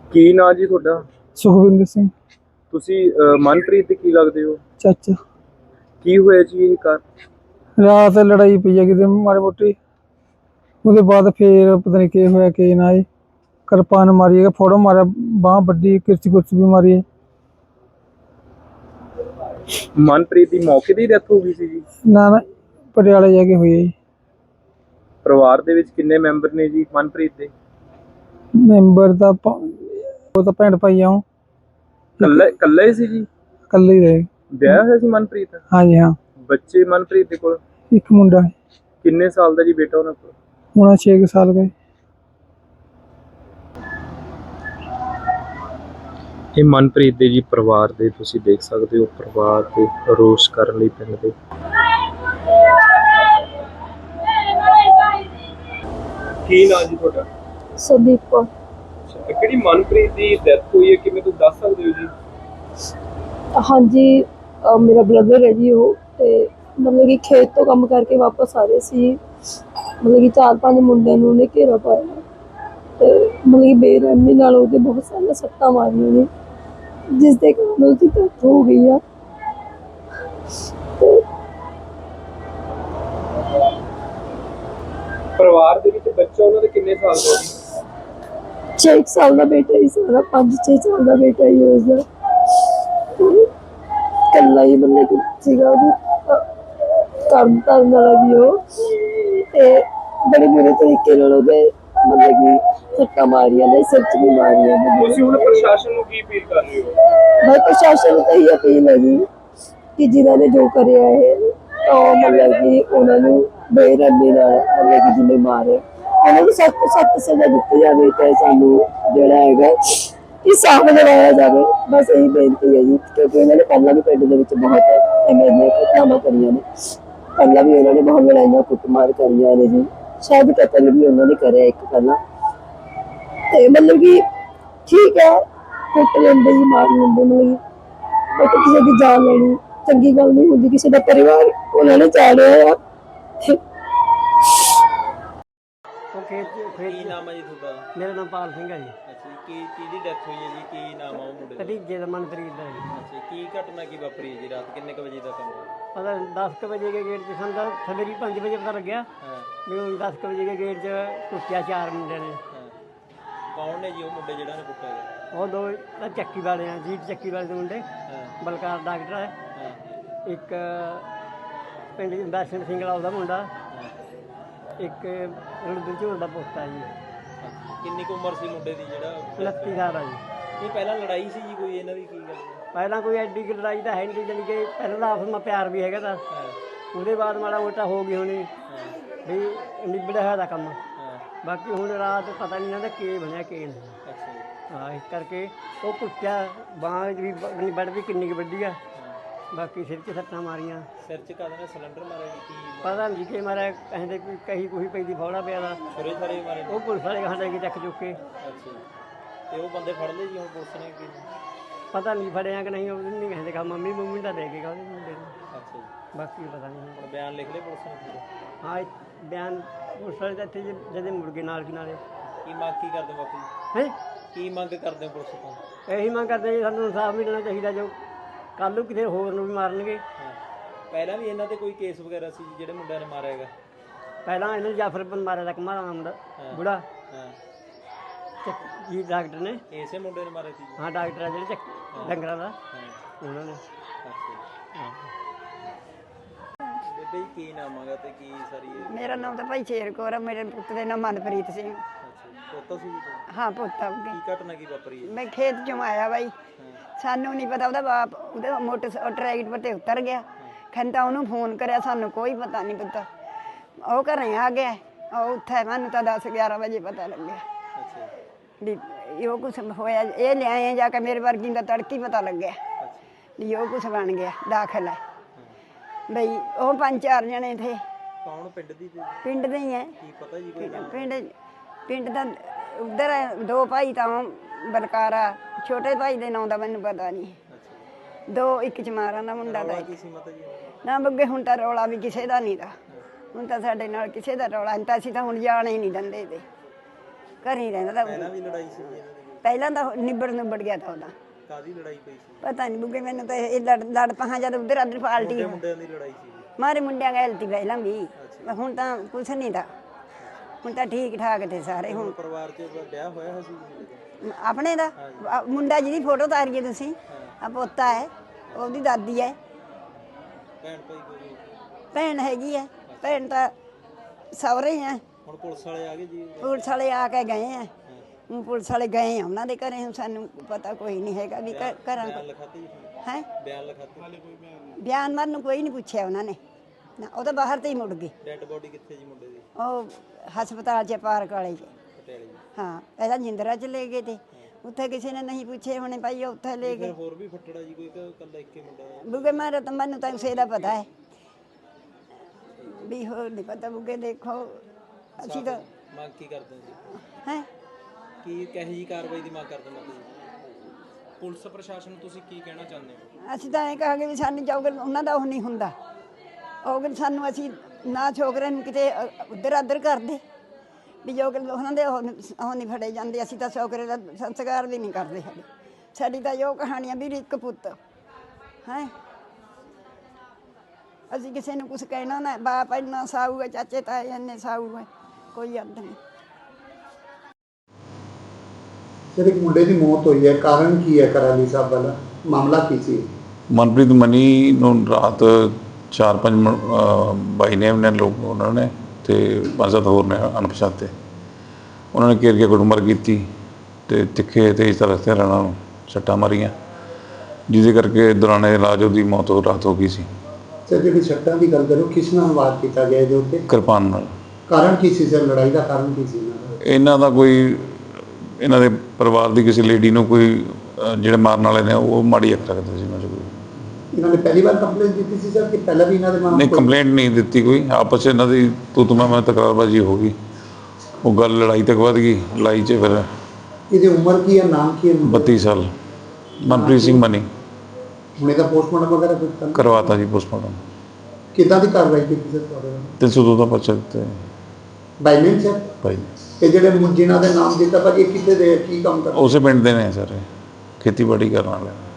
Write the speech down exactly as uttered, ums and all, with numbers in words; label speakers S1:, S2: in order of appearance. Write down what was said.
S1: ਕੀ ਨਾਂ ਜੀ ਤੁਹਾਡਾ?
S2: ਸੁਖਵਿੰਦਰ ਸਿੰਘ
S1: ਤੁਸੀਂ ਅਹ, ਮਨਪ੍ਰੀਤ ਦੇ ਕੀ ਲੱਗਦੇ ਹੋ?
S2: ਚਾਚਾ।
S1: ਕੀ ਹੋਇਆ ਜੀ ਇਹ ਕਾਰ?
S2: ਰਾਤ ਲੜਾਈ ਪਈ ਆ ਕਿਤੇ ਮਾੜੀ ਮੋਟੀ, ਉਹਦੇ ਬਾਅਦ ਫੇਰ ਪਤਾ ਨਹੀਂ ਕੀ ਹੋਇਆ ਕੀ ਨਾ ਜੀ। ਕਿਰਪਾਨ ਮਾਰੀ ਹੈ, ਫੋੜੋ ਮਾਰਿਆ, ਬਾਂਹ ਵੱਡੀ, ਕਿਰਚ ਕੁਰਚ ਵੀ ਮਾਰੀ ਹੈ।
S1: ਮਨਪ੍ਰੀਤ ਦੀ ਮੌਕੇ ਦੀ ਡੈਥ ਹੋ ਗਈ ਸੀ ਜੀ?
S2: ਨਾ ਨਾ, ਪਟਿਆਲੇ ਜਾ ਕੇ ਹੋਈ ਹੈ ਜੀ।
S1: ਪਰਿਵਾਰ ਦੇ ਵਿੱਚ ਕਿੰਨੇ ਮੈਂਬਰ ਨੇ ਜੀ ਮਨਪ੍ਰੀਤ ਦੇ?
S2: ਮੈਂਬਰ ਦਾ ਪ- ਉਹ ਤਾਂ ਭੈਣ ਭਾਈ ਆ, ਉਹ
S1: ਕੱਲਾ ਕੱਲਾ ਹੀ ਸੀ ਜੀ?
S2: ਇਕੱਲੇ ਹੀ ਰਹੇ।
S1: ਵਿਆਹ ਹੋਇਆ ਸੀ ਮਨਪ੍ਰੀਤ?
S2: ਹਾਂਜੀ ਹਾਂ,
S1: ਬੱਚੇ ਮਨਪ੍ਰੀਤ ਦੇ ਕੋਲ?
S2: ਇੱਕ ਮੁੰਡਾ ਹੈ,
S1: ਕਿੰਨੇ ਸਾਲ ਦਾ ਜੀ ਬੇਟਾ ਉਹਨਾਂ ਕੋਲ?
S2: ਹੁਣ ਛੇ ਕੁ ਸਾਲ ਗਏ।
S1: ਇਹ ਮਨਪ੍ਰੀਤ ਦੇ ਜੀ ਪਰਿਵਾਰ ਦੇ ਤੁਸੀਂ ਦੇਖ ਸਕਦੇ ਹੋ, ਪਰਿਵਾਰ ਦੇ ਰੋਸ ਕਰਨ ਲਈ ਪਿੰਡ ਦੇ। ਕੀ ਨਾਂ ਜੀ ਤੁਹਾਡਾ?
S3: ਸੰਦੀਪ ਕੌਰ।
S1: ਕਿਹੜੀ ਮਨਪ੍ਰੀਤ ਦੀ ਡੈਥ ਹੋਈ ਹੈ, ਕਿਵੇਂ ਤੁਸੀਂ ਦੱਸ ਸਕਦੇ ਹੋ ਜੀ?
S3: ਹਾਂਜੀ, ਅਹ ਮੇਰਾ ਬ੍ਰਦਰ ਹੈ ਜੀ ਉਹ, ਤੇ ਮਤਲਬ ਕਿ ਖੇਤ ਤੋਂ ਕੰਮ ਕਰਕੇ ਵਾਪਸ ਆ ਰਹੇ ਸੀ। ਮਤਲਬ ਕਿ ਚਾਰ ਪੰਜ ਮੁੰਡਿਆਂ ਨੂੰ ਉਹਨੇ ਘੇਰਾ ਪਾਇਆ ਤੇ ਮਤਲਬ ਕਿ ਬੇਰਹਿਮੀ ਨਾਲ ਉਹਦੇ ਬਹੁਤ ਸਾਰੀਆਂ ਸੱਟਾਂ ਮਾਰੀਆਂ ਨੇ, ਜਿਸ ਦੇ ਕਾਰਨ ਉਹਦੀ ਡੈਥ ਹੋ ਗਈ ਆ। ਤੇ
S1: ਪਰਿਵਾਰ ਦੇ ਵਿੱਚ ਬੱਚਾ ਉਹਨਾਂ ਦੇ ਕਿੰਨੇ ਸਾਲ ਦਾ ਜੀ?
S3: ਛੇ ਕੁ ਸਾਲ ਦਾ ਬੇਟਾ ਹੀ ਸਾਰਾ, ਪੰਜ ਛੇ ਸਾਲ ਦਾ ਬੇਟਾ ਹੀ ਉਸਦਾ। ਇਕੱਲਾ ਹੀ ਮਤਲਬ ਕਿ ਸੀਗਾ, ਉਹਦੀ ਕੰਮ ਕਰਨ ਵਾਲਾ ਵੀ ਉਹ, ਤੇ ਬੜੇ ਬੁਰੇ ਤਰੀਕੇ ਨਾਲ ਉਹਦੇ ਮਤਲਬ ਕਿ ਸੱਟਾਂ ਮਾਰੀਆਂ ਨੇ, ਸਿਰ 'ਚ ਵੀ ਮਾਰੀਆਂ ਨੇ।
S1: ਤੁਸੀਂ ਹੁਣ ਪ੍ਰਸ਼ਾਸਨ ਨੂੰ ਕੀ ਅਪੀਲ ਕਰ ਰਹੇ ਹੋ?
S3: ਭਾਈ ਪ੍ਰਸ਼ਾਸਨ ਨੂੰ ਤਾਂ ਇਹ ਅਪੀਲ ਹੈ ਜੀ ਕਿ ਜਿਨ੍ਹਾਂ ਨੇ ਜੋ ਕਰਿਆ ਹੈ, ਤਾਂ ਮਤਲਬ ਕਿ ਉਹਨਾਂ ਨੂੰ ਬੇਰਹਿਮੀ ਨਾਲ ਮਤਲਬ ਕਿ ਜਿੰਨੇ ਮਾਰੇ ਉਹਨਾਂ ਨੂੰ ਸਖਤ ਸਖਤ ਸਜ਼ਾ ਦਿੱਤੀ ਜਾਵੇ, ਤੇ ਸਾਨੂੰ ਜਿਹੜਾ ਹੈਗਾ ਇਨਸਾਫ ਦਿਵਾਇਆ ਜਾਵੇ। ਬਸ ਇਹੀ ਬੇਨਤੀ ਹੈ ਜੀ, ਕਿਉਂਕਿ ਉਹਨਾਂ ਨੇ ਪਹਿਲਾਂ ਵੀ ਪਿੰਡ ਦੇ ਵਿੱਚ ਬਹੁਤ ਐਵੇਂ ਦੀਆਂ ਘਟਨਾਵਾਂ ਕਰੀਆਂ ਨੇ। ਪਹਿਲਾਂ ਵੀ ਉਹਨਾਂ ਨੇ ਬਹੁਤ ਲੜਾਈਆਂ ਕੁੱਟਮਾਰ ਕਰੀਆਂ ਨੇ ਜੀ, ਸ਼ਾਇਦ ਕਤਲ ਵੀ ਉਹਨਾਂ ਨੇ ਕਰਿਆ ਇੱਕ ਪਹਿਲਾਂ। ਤੇ ਮਤਲਬ ਕਿ ਠੀਕ ਹੈ, ਕੁੱਟ ਲੈਂਦੇ ਜੀ, ਮਾਰ ਲੈਂਦੇ, ਮਤਲਬ ਬਟ ਕਿਸੇ ਦੀ ਜਾਨ ਲੈਣੀ ਚੰਗੀ ਗੱਲ ਨਹੀਂ ਹੁੰਦੀ। ਕਿਸੇ ਦਾ ਪਰਿਵਾਰ ਉਹਨਾਂ ਨੇ ਚਾੜਿਆ ਆ।
S1: ਕੀ ਨਾਮ ਹੈ ਜੀ ਤੁਹਾਡਾ?
S2: ਮੇਰਾ ਨਾਮ ਪਾਲ ਸਿੰਘ ਹੈ ਜੀ।
S1: ਅੱਛਾ, ਕੀ ਚੀਜ਼ ਦੀ ਡੈਥ ਹੋਈ ਹੈ ਜੀ? ਕੀ ਨਾਮ ਆ ਉਹ ਮੁੰਡੇ ਦਾ?
S2: ਭਤੀਜੇ ਦਾ ਮਨਪ੍ਰੀਤ ਦਾ ਜੀ।
S1: ਅੱਛਾ, ਕੀ ਘਟਨਾ ਕੀ ਵਾਪਰੀ ਹੈ ਜੀ ਰਾਤ? ਕਿੰਨੇ ਕ ਵਜੇ ਦਾ ਕੰਮ ਹੈ?
S2: ਪਤਾ ਦਸ ਕੁ ਵਜੇ ਕੇ ਗੇਟ 'ਚ ਸਾਨੂੰ ਤਾਂ ਸਵੇਰੇ ਪੰਜ ਵਜੇ ਪਤਾ ਲੱਗਿਆ
S1: ਹਾਂ
S2: ਵੀ ਉਹ ਦਸ ਕੁ ਵਜੇ ਕੇ ਗੇਟ 'ਚ ਕੁੱਟਿਆ ਚਾਰ ਮੁੰਡਿਆਂ ਨੇ।
S1: ਹਾਂ, ਕੌਣ ਨੇ ਜੀ ਉਹ ਮੁੰਡੇ ਜਿਹੜਾ ਨੇ ਕੁੱਟਿਆ ਗਿਆ?
S2: ਉਹ ਦੋ ਤਾਂ ਚੱਕੀ ਵਾਲੇ ਆ, ਜੀਟ ਚੱਕੀ ਵਾਲੇ ਦੇ ਮੁੰਡੇ।
S1: ਹਾਂ
S2: ਬਲਕਾਰ ਡਾਕਟਰ ਹੈ,
S1: ਹਾਂ
S2: ਇੱਕ ਪਿੰਡ ਦਰਸ਼ਨ ਸਿੰਘ ਵਾਲਾ ਉਹਦਾ ਮੁੰਡਾ,
S1: ਹਾਂ।
S2: ਇੱਕ ਰਣਜੀਤ ਝੋਲ ਦਾ ਪੋਤਾ ਜੀ।
S1: ਕਿੰਨੀ ਕੁ ਉਮਰ ਸੀ ਮੁੰਡੇ ਦੀ ਜਿਹੜਾ?
S2: ਉਨੱਤੀ ਸਾਲ ਆ ਜੀ।
S1: ਇਹ ਪਹਿਲਾਂ ਲੜਾਈ ਸੀ ਜੀ ਕੋਈ ਇਹਨਾਂ ਦੀ? ਕੀ ਗੱਲ ਹੈ?
S2: ਪਹਿਲਾਂ ਕੋਈ ਐਡੀ ਕੁ ਲੜਾਈ ਤਾਂ ਹੈ ਨਹੀਂ, ਜਾਣੀ ਕਿ ਪਹਿਲਾਂ ਤਾਂ ਆਪਸ ਵਿੱਚ ਪਿਆਰ ਵੀ ਹੈਗਾ ਤਾਂ
S1: ਹਾਂ
S2: ਉਹਦੇ ਬਾਅਦ ਮਾੜਾ ਮੋਟਾ ਹੋ ਗਈ ਹੋਣੀ
S1: ਹਾਂ
S2: ਵੀ ਨਿਬੜਿਆ ਹੋਇਆ ਦਾ ਕੰਮ।
S1: ਹਾਂ।
S2: ਬਾਕੀ ਹੁਣ ਰਾਤ ਪਤਾ ਨਹੀਂ ਇਹਨਾਂ ਦਾ ਕੀ ਬਣਿਆ ਕੀ ਨਹੀਂ।
S1: ਅੱਛਾ ਜੀ।
S2: ਹਾਂ, ਇਸ ਕਰਕੇ ਉਹ ਕੁੱਟਿਆ, ਬਾਂਹ ਵੀ ਨਿਬੜ ਵੀ ਕਿੰਨੀ ਕੁ ਵੱਡੀ ਆ, ਬਾਕੀ ਸਿਰ 'ਚ ਸੱਟਾਂ ਮਾਰੀਆਂ।
S1: ਸਿਰ 'ਚ ਕਾਹਦੇ ਨਾਲ ਸਿਲੰਡਰ ਮਾਰਿਆ ਜੀ? ਕੀ
S2: ਪਤਾ ਨਹੀਂ ਕਿ ਮਾਰਿਆ, ਕਹਿੰਦੇ ਕੋਈ ਕਹੀ ਕੋਈ ਪੈਂਦੀ ਫੌੜਾ ਪਿਆ ਦਾ,
S1: ਛੁਰੇ ਛਾਰੇ ਮਾਰੇ ਨੇ?
S2: ਉਹ ਪੁਲਿਸ ਵਾਲੇ ਕਹਾਂ ਲੈ ਕੇ ਚੱਕ ਚੁੱਕ ਕੇ।
S1: ਅੱਛਾ ਜੀ। ਤੇ ਉਹ ਬੰਦੇ ਫੜ ਲਏ ਜੀ ਹੁਣ ਪੁਲਿਸ ਨੇ? ਕੀ
S2: ਪਤਾ ਨਹੀਂ ਫੜਿਆ ਕਿ ਨਹੀਂ, ਉਹ ਨਹੀਂ ਕਹਿੰਦੇ ਕਹਾ ਮੰਮੀ ਮੰਮੀ ਦਾ ਲੈ ਕੇ ਗਾ ਉਹਦੇ ਮੁੰਡੇ ਨੂੰ,
S1: ਅੱਛਾ ਜੀ।
S2: ਬਾਕੀ ਪਤਾ ਨਹੀਂ।
S1: ਹੁਣ ਬਿਆਨ ਲਿਖ ਲਏ ਪੁਲਿਸ ਨੇ ਪੂਰੇ?
S2: ਹਾਂ, ਇਹ ਬਿਆਨ ਪੁਲਿਸ ਵਾਲੇ ਤਾਂ ਇੱਥੇ ਜਦੇ ਮੁੜ ਗਏ ਨਾਲ ਕੀ ਨਾਲੇ।
S1: ਕੀ ਮੰਗ ਕੀ ਕਰਦੇ ਹੋ ਬਾਪੂ ਜੀ?
S2: ਹੈ
S1: ਕੀ ਮੰਗ ਕਰਦੇ ਹੋ ਪੁਲਿਸ ਤੋਂ?
S2: ਇਹੀ ਮੰਗ ਕਰਦੇ ਜੀ, ਸਾਨੂੰ ਇਨਸਾਫ ਮਿਲਣਾ ਚਾਹੀਦਾ। ਜੋ ਕੱਲ੍ਹ ਨੂੰ ਕਿਸੇ ਹੋਰ ਨੂੰ ਵੀ ਮਾਰਨਗੇ।
S1: ਹਾਂ, ਪਹਿਲਾਂ ਵੀ ਇਹਨਾਂ ਤੇ ਕੋਈ ਕੇਸ ਵਗੈਰਾ ਸੀ ਜਿਹੜੇ ਮੁੰਡਿਆਂ ਨੇ ਮਾਰਿਆ ਹੈਗਾ?
S2: ਪਹਿਲਾਂ ਇਹਨੂੰ ਜਾਫਰ ਬਨ ਮਾਰਿਆ ਦਾ ਕਮਾਲ ਨਾਮ ਦਾ ਬੁੜਾ
S1: ਹਾਂ।
S2: ਜੀ, ਡਾਕਟਰ ਨੇ।
S1: ਇਸੇ ਮੁੰਡੇ ਨੇ ਮਾਰੇ ਸੀ ਜੀ?
S2: ਹਾਂ, ਡਾਕਟਰ ਆ ਜਿਹੜੇ ਚੱਕ ਡੰਗਰਾਂ ਦਾ,
S1: ਹਾਂ।
S2: ਉਹਨਾਂ ਨੇ।
S1: ਅੱਛਾ ਜੀ। ਬੇਬੇ ਜੀ ਕੀ ਨਾਮ ਹੈਗਾ ਤੇ ਕੀ ਸਾਰੀ ਇਹ?
S4: ਮੇਰਾ ਨਾਮ ਤਾਂ ਭਾਈ ਸ਼ੇਰ ਕੌਰ ਆ, ਮੇਰੇ ਪੁੱਤ ਦਾ ਨਾਮ ਮਨਪ੍ਰੀਤ ਸਿੰਘ।
S1: ਅੱਛਾ ਜੀ। ਪੋਤਾ ਸੀ ਜੀ ਤੁਹਾਡਾ?
S4: ਹਾਂ, ਪੁੱਤ ਆ।
S1: ਕੀ ਘਟਨਾ ਕੀ ਵਾਪਰੀ ਹੈ?
S4: ਮੈਂ ਖੇਤ ਚੋਂ ਆਇਆ ਬਾਈ,
S1: ਹਾਂ
S4: ਸਾਨੂੰ ਨਹੀਂ ਪਤਾ, ਉਹਦਾ ਬਾਪ ਉਹਦੇ ਮੋਟਰ ਟਰੈਕਟਰ ਤੇ ਉਤਰ ਗਿਆ। ਖੰਤਾ ਉਹਨੂੰ ਫੋਨ ਕਰਿਆ, ਸਾਨੂੰ ਕੋਈ ਪਤਾ ਨਹੀਂ ਪਤਾ। ਉਹ ਘਰੇ ਆ ਗਿਆ, ਉਹ ਉੱਥੇ ਮੈਨੂੰ ਤਾਂ ਦਸ ਗਿਆਰਾਂ ਵਜੇ ਪਤਾ ਲੱਗਿਆ
S1: ਅੱਛਾ ਜੀ।
S4: ਵੀ ਉਹ ਕੁਛ ਹੋਇਆ। ਇਹ ਲਿਆਏ ਜਾ ਕੇ ਮੇਰੇ ਵਰਗੀ ਦਾ ਤੜਕੀ ਪਤਾ ਲੱਗਿਆ
S1: ਅੱਛਾ
S4: ਵੀ ਉਹ ਕੁਛ ਬਣ ਗਿਆ, ਦਾਖਲ ਹੈ ਬਈ। ਉਹ ਪੰਜ ਚਾਰ ਜਣੇ ਥੇ,
S1: ਕੌਣ ਪਿੰਡ ਦੀ ਤੇ?
S4: ਪਿੰਡ ਦੇ ਹੀ ਹੈ।
S1: ਕੀ ਪਤਾ ਜੀ ਕੋਈ ਨਾਮ?
S4: ਪਿੰਡ ਪਿੰਡ ਦਾ ਉਧਰ ਦੋ ਭਾਈ ਤਾਂ ਬਲਕਾਰਾ, ਛੋਟੇ ਭਾਈ ਦੇ ਨਾਂ ਦਾ ਮੈਨੂੰ ਪਤਾ ਨਹੀਂ।
S1: ਅੱਛਾ
S4: ਦੋ ਇੱਕ ਚਮਾਰਾਂ ਦਾ ਮੁੰਡਾ ਦਾ,
S1: ਕੀ ਸੀ ਮਤਾ ਜੀ?
S4: ਨਾ ਬੱਗੇ ਹੁਣ ਤਾਂ ਰੌਲਾ ਵੀ ਕਿਸੇ ਦਾ ਨਹੀਂ ਦਾ। ਹੁਣ ਤਾਂ ਸਾਡੇ ਨਾਲ ਕਿਸੇ ਦਾ ਰੌਲਾ ਨਹੀਂ ਤਾਂ, ਅਸੀਂ ਤਾਂ ਹੁਣ ਜਾਣ ਹੀ ਨਹੀਂ ਦਿੰਦੇ ਤੇ ਘਰ ਹੀ ਰਹਿੰਦਾ ਤਾਂ।
S1: ਪਹਿਲਾਂ ਵੀ ਲੜਾਈ ਸੀ ਜੀ ਇਹਨਾਂ ਦੀ?
S4: ਪਹਿਲਾਂ ਤਾਂ ਨਿਬੜ ਨਿਬੜ ਗਿਆ ਤਾਂ ਉਹਦਾ।
S5: ਕਾਦੀ ਲੜਾਈ ਪਈ ਸੀ?
S4: ਪਤਾ ਨਹੀਂ ਬੁੱਗੇ ਮੈਨੂੰ ਤਾਂ ਇਹ ਲੜ ਲੜ ਪਹਾਂ ਜਦ ਉਧਰ ਅਦਰ ਪਾਲਟੀ
S5: ਮੁੰਡਿਆਂ ਦੀ ਲੜਾਈ ਸੀ?
S4: ਮਾਰੇ ਮੁੰਡਿਆਂ ਗੈਲਤੀ ਪਹਿਲਾਂ ਵੀ, ਹੁਣ ਤਾਂ ਕੁਛ ਨਹੀਂ ਦਾ, ਹੁਣ ਤਾਂ ਠੀਕ ਠਾਕ ਤੇ ਸਾਰੇ। ਹੁਣ
S5: ਪਰਿਵਾਰ 'ਚ ਵਿਆਹ ਹੋਇਆ ਹੋਇਆ ਸੀ ਕਿਸੇ ਦਾ?
S4: ਆਪਣੇ ਦਾ ਆ ਮੁੰਡਾ ਜਿਹਦੀ ਫੋਟੋ ਤਾਰੀਏ ਤੁਸੀਂ, ਆ ਪੋਤਾ ਹੈ, ਉਹਦੀ ਦਾਦੀ ਹੈ।
S5: ਭੈਣ ਭਾਈ ਕੋਈ?
S4: ਭੈਣ ਹੈਗੀ ਹੈ, ਭੈਣ ਤਾਂ ਸਹੁਰੇ ਹੈ।
S5: ਹੁਣ ਪੁਲਿਸ ਵਾਲੇ ਆ ਗਏ ਜੀ?
S4: ਪੁਲਿਸ ਵਾਲੇ ਆ ਕੇ ਗਏ ਆ, ਹੁਣ ਪੁਲਿਸ ਵਾਲੇ ਗਏ ਆ ਉਹਨਾਂ ਦੇ ਘਰੇ, ਹੁਣ ਸਾਨੂੰ ਪਤਾ ਕੋਈ ਨਹੀਂ ਹੈਗਾ ਵੀ ਘ- ਘਰਾਂ
S5: ਬਿਆਨ ਲਿਖਾਤੇ ਜੀ?
S4: ਹੈ
S5: ਬਿਆਨ ਲਿਖਾਤੇ? ਹਾਲੇ ਕੋਈ ਬਿਆਨ?
S4: ਬਿਆਨ ਮਾਰਨ ਨੂੰ ਕੋਈ ਨਹੀਂ ਪੁੱਛਿਆ ਉਹਨਾਂ ਨੇ ਨਾ, ਉਹ ਤਾਂ ਬਾਹਰ ਤੇ ਹੀ ਮੁੜ ਗਏ।
S5: ਡੈੱਡ ਬੋਡੀ ਕਿੱਥੇ ਜੀ ਮੁੰਡੇ ਦੀ?
S4: ਉਹ ਹਸਪਤਾਲ 'ਚ ਪਾਰਕ ਵਾਲੇ 'ਚ।
S5: ਪਟਿਆਲੇ ਜੀ?
S4: ਹਾਂ ਪਹਿਲਾਂ ਜਿੰਦਰਾ 'ਚ ਲੈ ਗਏ ਤੇ ਉੱਥੇ ਕਿਸੇ ਨੇ ਨਹੀਂ ਪੁੱਛੇ ਹੋਣੇ ਭਾਈ, ਉਹ ਉੱਥੇ ਲੈ
S5: ਫਿਰ
S4: ਗਏ।
S5: ਹੋਰ ਵੀ ਫੱਟੜਾ ਜੀ ਕੋਈ ਕਿ ਇਕੱਲਾ ਇੱਕੇ ਮੁੰਡਾ ਹੈ?
S4: ਬੁੱਗੇ ਮਾਰੇ ਤਾਂ ਮੈਨੂੰ ਤਾਂ ਉਸੇ ਦਾ ਪਤਾ ਹੈ ਵੀ ਹੋਰ ਨਹੀਂ ਪਤਾ। ਬੁੱਗੇ ਦੇਖੋ ਅਸੀਂ ਤਾਂ
S5: ਮੰਗ ਕੀ ਕਰਦੇ ਹੋ ਜੀ?
S4: ਹੈ
S5: ਕੀ ਕਹੇ ਜੀ ਕਾਰਵਾਈ ਦੀ ਮੰਗ ਕਰਦੇ ਹੋ ਜੀ? ਪੁਲਿਸ ਪ੍ਰਸ਼ਾਸਨ ਨੂੰ ਤੁਸੀਂ ਕੀ ਕਹਿਣਾ ਚਾਹੁੰਦੇ ਹੋ?
S4: ਅਸੀਂ ਤਾਂ ਇਹ ਕਹਾਂਗੇ ਵੀ ਸਾਨੂੰ ਜੋਗਲ ਉਹਨਾਂ ਦਾ ਉਹ ਨਹੀਂ ਹੁੰਦਾ, ਉਹ ਸਾਨੂੰ ਅਸੀਂ ਨਾ ਛੋਕਰੇ ਨੂੰ ਕਿਤੇ ਉੱਧਰ ਉੱਧਰ ਕਰਦੇ ਵੀ ਜੋਗਲ ਉਹਨਾਂ ਦੇ ਉਹ ਨੀ- ਉਹ ਨਹੀਂ ਫੜੇ ਜਾਂਦੇ। ਅਸੀਂ ਤਾਂ ਛੋਕਰੇ ਦਾ ਸੰਸਕਾਰ ਵੀ ਨਹੀਂ ਕਰਦੇ ਸਾਡੇ। ਸਾਡੀ ਤਾਂ ਜੋ ਕਹਾਣੀਆਂ ਵੀ ਇੱਕ ਪੁੱਤ ਹੈ, ਅਸੀਂ ਕਿਸੇ ਨੂੰ ਕੁਝ ਕਹਿਣਾ ਨਾ, ਬਾਪ ਇੰਨਾ ਸਾਊ ਹੈ, ਚਾਚੇ ਤਾਏ ਇੰਨੇ ਸਾਊ ਹੈ, ਕੋਈ ਅੰਤ ਨਹੀਂ।
S6: ਸਰ ਇੱਕ ਮੁੰਡੇ ਦੀ ਮੌਤ ਹੋਈ ਹੈ, ਕਾਰਨ ਕੀ ਹੈ? ਕਰਾਲੀ ਸਾਹਿਬ ਵਾਲਾ ਮਾਮਲਾ ਕੀ ਸੀ?
S7: ਮਨਪ੍ਰੀਤ ਮਨੀ ਨੂੰ ਰਾਤ ਚਾਰ ਪੰਜ ਬਾਈ ਨੇਮ ਨੇ ਲੋਕ ਉਹਨਾਂ ਨੇ ਤੇ ਪੰਜ ਸੱਤ ਹੋਰ ਨੇ ਅਣਪਛਾਤੇ, ਉਹਨਾਂ ਨੇ ਘੇਰ ਕੇ ਕੁੱਟਮਾਰ ਕੀਤੀ ਤੇ ਤਿੱਖੇ ਤੇਜ਼ ਤਰ੍ਹਾਂ ਹਥਿਆਰਾਂ ਨਾਲ ਸੱਟਾਂ ਮਾਰੀਆਂ, ਜਿਹਦੇ ਕਰਕੇ ਦੌਰਾਨ ਇਲਾਜ ਉਹਦੀ ਮੌਤ ਹੋ ਰਾਤ ਹੋ ਗਈ ਸੀ।
S6: ਸਰ ਜਿਹੜੀ ਸੱਟਾਂ ਦੀ ਗੱਲ ਕਰੋ, ਕਿਸ ਨਾਲ ਵਾਰ ਕੀਤਾ ਗਿਆ ਇਹਦੇ ਉੱਤੇ?
S7: ਕਿਰਪਾਨ ਨਾਲ।
S6: ਕਾਰਨ ਕੀ ਸੀ ਸਰ? ਲੜਾਈ ਦਾ ਕਾਰਨ ਕੀ ਸੀ ਇਹਨਾਂ ਦਾ?
S7: ਇਹਨਾਂ ਦਾ ਕੋਈ ਇਹਨਾਂ ਦੇ ਪਰਿਵਾਰ ਦੀ ਕਿਸੇ ਲੇਡੀ ਨੂੰ ਕੋਈ ਅਹ, ਜਿਹੜੇ ਮਾਰਨ ਵਾਲੇ ਨੇ ਉਹ ਮਾੜੀ ਅੱਖ ਰੱਖਦੇ ਸੀ ਉਹਨਾਂ 'ਚ ਕੋਈ।
S6: ਇਹਨਾਂ ਨੇ ਪਹਿਲੀ ਵਾਰ ਕੰਪਲੇਂਟ ਦਿੱਤੀ ਸੀ ਸਰ ਕਿ ਪਹਿਲਾਂ ਵੀ ਇਹਨਾਂ ਦੇ ਮਾਮਲੇ?
S7: ਨਹੀਂ, ਕੰਪਲੇਂਟ ਨਹੀਂ ਦਿੱਤੀ ਕੋਈ, ਆਪਸ 'ਚ ਇਹਨਾਂ ਦੀ ਤੂੰ ਤੂੰ ਮੈਂ ਮੈਂ ਤਕਰਾਰਬਾਜ਼ੀ ਹੋ ਗਈ, ਉਹ ਗੱਲ ਲੜਾਈ ਤੱਕ ਵੱਧ ਗਈ। ਲੜਾਈ 'ਚ ਫਿਰ
S6: ਇਹਦੀ ਉਮਰ ਕੀ ਹੈ, ਨਾਮ ਕੀ ਹੈ?
S7: ਬੱਤੀ ਸਾਲ ਮਨਪ੍ਰੀਤ ਸਿੰਘ ਮਨੀ।
S6: ਹੁਣ ਇਹਦਾ ਪੋਸਟਮਾਰਟਮ ਵਗੈਰਾ ਕੀਤਾ?
S7: ਕਰਵਾਤਾ ਜੀ ਪੋਸਟਮਾਰਟਮ।
S6: ਕਿੱਦਾਂ ਦੀ ਕਾਰਵਾਈ ਕੀਤੀ ਸਰ ਤੁਹਾਡੇ ਨਾਲ?
S7: ਤਿੰਨ ਸੌ ਦੋ ਦਾ ਪਰਚਾ ਦਿੱਤਾ
S6: ਬਾਈ ਨੇਮ ਸਰ?
S7: ਭਾਈ
S6: ਇਹ ਜਿਹੜੇ ਮੁੰ- ਜਿਨ੍ਹਾਂ ਦੇ ਨਾਮ ਦਿੱਤਾ ਭਾਜੀ, ਇਹ ਕਿੱਥੇ ਦੇ ਕੀ ਕੰਮ ਕਰਦੇ?
S7: ਉਸੇ ਪਿੰਡ ਦੇ ਨੇ ਸਾਰੇ, ਖੇਤੀਬਾੜੀ ਕਰਨ ਵਾਲੇ।